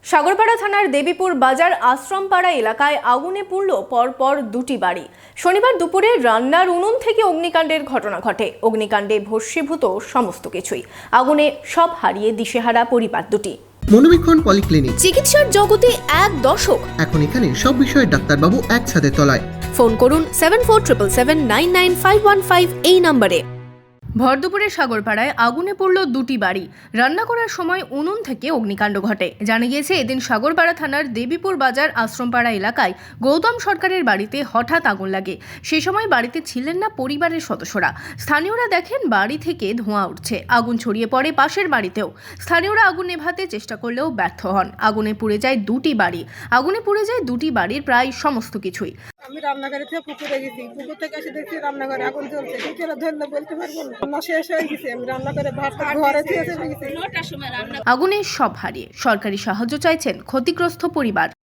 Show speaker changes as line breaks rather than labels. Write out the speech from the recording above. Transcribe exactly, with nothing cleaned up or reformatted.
সাগরপাড়া থানার দেবীপুর বাজার আশ্রমপাড়া এলাকায় আগুনে পুড়ল পরপর দুটি বাড়ি। শনিবার দুপুরে রান্নার উনুন থেকে অগ্নিকাণ্ডের ঘটনা ঘটে। অগ্নিকাণ্ডে ভস্মীভূত সমস্ত কিছুই। আগুনে সব হারিয়ে দিশেহারা পরিবার দুটি।
মনোবীক্ষণ পলিক্লিনিক,
চিকিৎসার জগতে এক দশক।
এখন এখানে সব বিষয়ে ডাক্তারবাবু একসাথে তলায়।
ফোন করুন seven four triple seven nine nine five one five এই নম্বরে। ভরদুপুরে সাগরপাড়ায় আগুনে পড়ল দুটি বাড়ি। রান্না করার সময় উনুন থেকে অগ্নিকাণ্ড ঘটে। জানা গিয়েছে, এদিন সাগরপাড়া থানার দেবীপুর বাজার আশ্রমপাড়া এলাকায় গৌতম সরকারের বাড়িতে হঠাৎ আগুন লাগে। সে সময় বাড়িতে ছিলেন না পরিবারের সদস্যরা। স্থানীয়রা দেখেন বাড়ি থেকে ধোঁয়া উঠছে। আগুন ছড়িয়ে পড়ে পাশের বাড়িতেও। স্থানীয়রা আগুন নেভাতে চেষ্টা করলেও ব্যর্থ হন। আগুনে পুড়ে যায় দুটি বাড়ি। আগুনে পুড়ে যায় দুটি বাড়ির প্রায় সমস্ত কিছুই।
আমি রান্নাঘরে থেকে পুকুরে গেছি, পুকুর থেকে এসে দেখছি রান্নাঘরে আগুন জ্বলছে। কি করে ধরলে বলতে পারবো না, রান্না শেষ হয়ে গেছে। আমি রান্নাঘরে ভাত ঘরে থেকে চলে গেছি।
আগুনে সব হারিয়ে সরকারি সাহায্য চাইছেন ক্ষতিগ্রস্ত পরিবার।